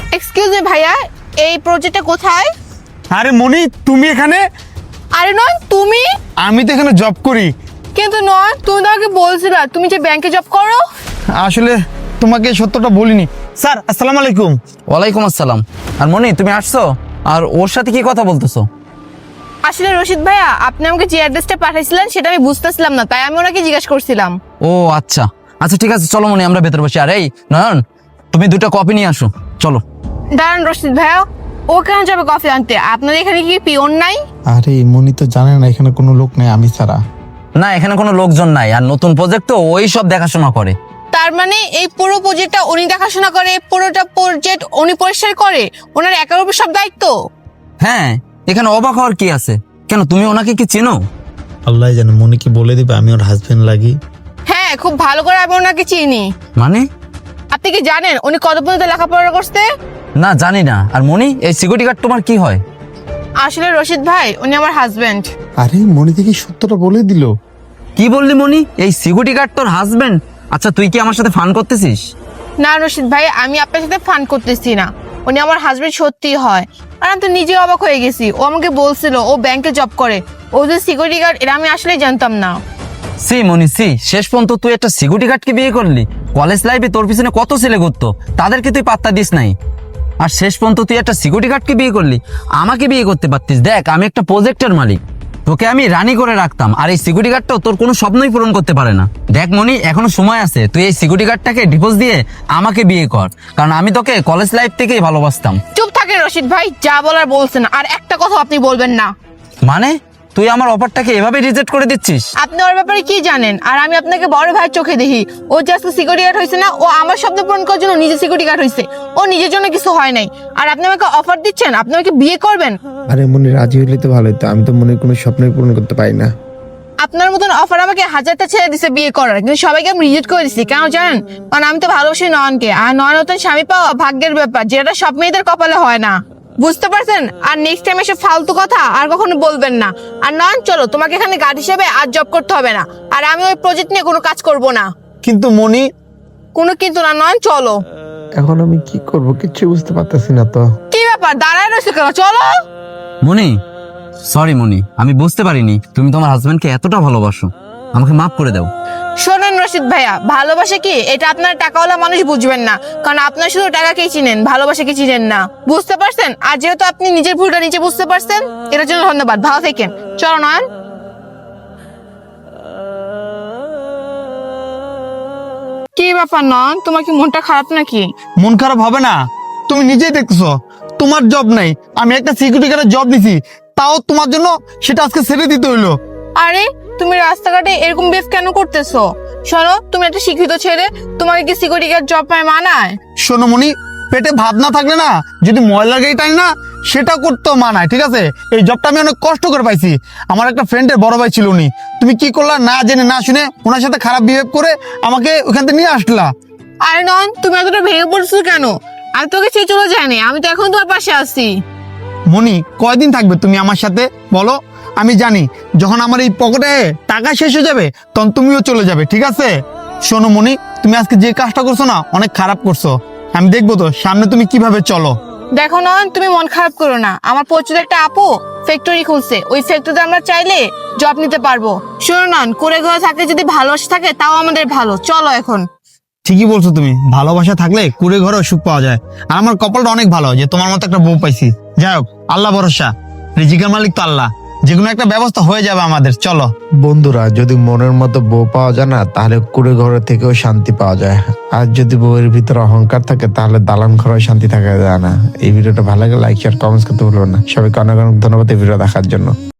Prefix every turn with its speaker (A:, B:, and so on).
A: Excuse me ভাইয়া, এই প্রজেক্টটা কোথায়?
B: আরে মনি, তুমি এখানে?
A: আরে নয়, তুমি?
B: আমি তো এখানে জব করি।
A: কিন্তু নয়, তুমি তো আমাকে বলছিলা তুমি যে ব্যাংকে জব করো।
B: আসলে তোমাকে সত্যটা বলিনি। স্যার, আসসালামু আলাইকুম।
C: ওয়ালাইকুম আসসালাম। আর মনি, তুমি আসছো আর ওর সাথে কি কথা বলতেছো?
A: আসলে রশিদ ভাইয়া, আপনি আমাকে যে অ্যাড্রেসটা পাঠাইছিলেন সেটা আমি বুঝতেছিলাম না, তাই আমি ওনাকে জিজ্ঞেস করছিলাম।
C: ও আচ্ছা আচ্ছা, ঠিক আছে, চলো মনি, আমরা ভেতরে বসি। আর এই নয়ন, তুমি 2টা কপি নিয়ে আসো, চলো।
A: দাঁড়ান রশিদ ভাইয়া, ও কেন যাবে কফি আনতে? আপনাদের এখানে কি পিওন নাই?
B: আরে মনি তো জানে না এখানে কোনো লোক নেই আমি ছাড়া।
C: না, এখানে কোনো লোকজন নাই, আর নতুন প্রজেক্ট তো ওই সব দেখাশোনা করে।
A: তার মানে এই পুরো প্রজেক্টটা উনি দেখাশোনা করে, পুরোটা প্রজেক্ট উনি পরিষ্কার করে, ওনার একার উপর সব দায়িত্ব?
C: হ্যাঁ, এখানে অবাক হওয়ার কি আছে? কেন, তুমি ওনাকে কি চেনো?
B: আল্লাহ জানে, মনি কি বলে দিবে আমি ওর হাজবেন্ড লাগি?
A: হ্যাঁ, খুব ভালো করে আমি ওনাকে চিনি।
C: মানে?
A: আপনি কি জানেন উনি কত পর্যন্ত লেখাপড়া করতে?
C: না, জানি না। আর মনি, এই সিকিউরিটি গার্ড তোমার কি হয়?
A: আসলে রশিদ ভাই, উনি আমার হাজবেন্ড।
B: আরে মনি দেখি সত্যটা বলে দিল।
C: কি বললি মনি? এই সিকিউরিটি গার্ড তোর হাজবেন্ড? আচ্ছা, তুই কি আমার সাথে ফান করতেছিস?
A: না রশিদ ভাই, আমি আপনার সাথে ফান করতেছি না, উনি আমার হাজবেন্ড সত্যি হয়। আর আমি তো নিজে অবাক হয়ে গেছি, ও আমাকে বলছিল ও ব্যাংকে জব করে, ও যে সিকিউরিটি গার্ড এটা আমি আসলে জানতাম না।
C: সি মনি সি, শেষ পর্যন্ত তুই একটা সিকিউরিটি গার্ডকে বিয়ে করলি? কলেজ লাইফে তোর পিছনে কত ছেলে ঘুরতো, তাদেরকে তুই পাত্তা দিস নাই, আর শেষ পর্যন্ত তুই একটা সিকিউরিটি গার্ডকে বিয়ে করলি। আমাকে বিয়ে করতে পারতিস। দেখ, আমি একটা প্রজেক্টের মালিক, তোকে আমি রানি করে রাখতাম, আর এই সিকিউরিটি গার্ডটাও তোর কোনো স্বপ্নই পূরণ করতে পারে না। দেখ মনি, এখনো সময় আছে, তুই এই সিকিউরিটি গার্ডটাকে ডিভোর্স দিয়ে আমাকে বিয়ে কর, কারণ আমি তোকে কলেজ লাইফ থেকেই ভালোবাসতাম।
A: চুপ থাকেন রশিদ ভাই, যা বলার বলছেন, আর একটা কথা আপনি বলবেন না।
C: মানে তুই আমার অফারটাকে এভাবে রিজেক্ট করে দিচ্ছিস?
A: আপনি ওর ব্যাপারে কি জানেন? আর আমি আপনাকে বড় ভাইয়ের চোখে দেখি, ও জাস্ট সিকিউরিটি গার্ড হয়েছে না, ও আমার স্বপ্ন পূরণ করার জন্য নিজে সিকিউরিটি গার্ড হয়েছে, ও নিজের জন্য কিছু হয় নাই। আর আপনি আমাকে অফার দিচ্ছেন আপনি আমাকে বিয়ে করবেন?
D: আরে মনি রাজি হইলে তো ভালোই, তো আমি তো মনের কোনো স্বপ্নই পূরণ করতে পারি না।
A: আপনার মতন অফার আমাকে হাজারটা ছেড়ে দিছে বিয়ে করার, কিন্তু সবাইকে আমি রিজেক্ট করে দিচ্ছি। কেন জানেন? কারণ আমি তো ভালোবাসি নয়নকে, আর নয়ন নতুন স্বামী পাওয়া ভাগ্যের ব্যাপার, যেটা সব মেয়েদের কপালে হয় না, বুঝতে পারছেন? আর নেক্সট টাইম এসে ফালতু কথা আর কখনো বলবেন না। আর নয়ন, চলো, তোমাকে এখানে গার্ড হিসেবে আর জব করতে হবে না, আর আমি ওই প্রজেক্ট নিয়ে কোনো কাজ করব না।
B: কিন্তু মনি,
A: কোনো কিন্তু না, নয়ন চলো।
D: এখন আমি কি করব কিছু বুঝতে পারতেছি না তো।
A: কি ব্যাপার, দাঁড়ায় রয়েছে কেন? চলো।
C: মনি, সরি মনি, আমি বুঝতে পারিনি তুমি তোমার হাজবেন্ডকে এতটা ভালোবাসো, আমাকে মাফ করে দাও।
A: শোনেন রশিদ ভাইয়া, ভালোবাসা কি এটা আপনার টাকাওয়ালা মানুষ বুঝবেন না, কারণ আপনার শুধু টাকাকেই চিনেন, ভালোবাসাকে চিনেন না, বুঝতে পারছেন? আর যেহেতু আপনি নিজের ভুলটা নিজে বুঝতে পারছেন, এটার জন্য ধন্যবাদ। ভালো থাকেন, চলো নয়ন। কি ব্যাপার নয়ন, তোমার কি মনটা খারাপ নাকি?
B: মন খারাপ হবে না? তুমি নিজেই দেখছো তোমার জব নাই, আমি একটা সিকিউরিটি গার্ডের জব নিছি, তাও তোমার জন্য সেটা আজকে ছেড়ে দিতে হইলো।
A: আরে তুমি রাস্তাঘাটে এরকম বেফ কেন করতেছো? শোনো, তুমি একটা শিক্ষিত ছেলে, তোমাকে কি সিকিউরিটি গার্ড জব পায় মানায়?
B: শোনো মনি, পেটে ভাত না থাকলে না, যদি ময়লার গাড়ি টাই না, সেটা করতেও মানায়, ঠিক আছে? এই জবটা আমি অনেক কষ্ট করে পাইছি, আমার একটা ফ্রেন্ডের বড় ভাই ছিল উনি, তুমি কি করলা না জেনে না শুনে ওনার সাথে খারাপ বিহেভ করে আমাকে ওখান থেকে নিয়ে আসলা।
A: আরে নয়ন, তুমি এতটা ভেঙে পড়ছো কেন? আমি তোকে ছেড়ে চলে যাইনি, আমি তো এখন তোমার পাশে আছি।
B: মনি, কয়দিন থাকবে তুমি আমার সাথে বলো? আমি জানি যখন আমার এই পকেটে টাকা শেষ হয়ে যাবে তখন তুমিও চলে যাবে, ঠিক আছে? শোনো মনি, তুমি আজকে যে কাজটা করছো না, অনেক খারাপ করছো, আমি দেখবো তো সামনে তুমি কিভাবে চলো।
A: দেখো নয়ন, তুমি মন খারাপ করো না, আমার পরিচিত একটা আপু ফ্যাক্টরি খুলছে, ওই ফ্যাক্টরিতে আমরা চাইলে জব নিতে পারবো। শোনো নয়ন, করে ঘরে থাকলে যদি ভালোবাসা থাকে তাও আমাদের ভালো, চলো এখন।
B: ঠিকই বলছো তুমি, ভালোবাসা থাকলে কুড়ে ঘরেও সুখ পাওয়া যায়, আর আমার কপালটা অনেক ভালো যে তোমার মতো একটা বউ পাইছি। যাই হোক, আল্লাহ ভরসা, রিজিকের মালিক তো আল্লাহ, যে কোনো একটা ব্যবস্থা হয়ে যাবে আমাদের, চলো।
D: বন্ধুরা, যদি মনের মতো বউ পাওয়া যায় না, তাহলে কুড়ে ঘরে থেকেও শান্তি পাওয়া যায়। আর যদি বউয়ের ভিতরে অহংকার থাকে, তাহলে দালান ঘরে শান্তি থাকা যায় না। এই ভিডিওটা ভালো লাগে লাইক শেয়ার কমেন্টস করতে ভুলবেন না। সবাইকে অনেক অনেক ধন্যবাদ এই ভিডিও দেখার জন্য।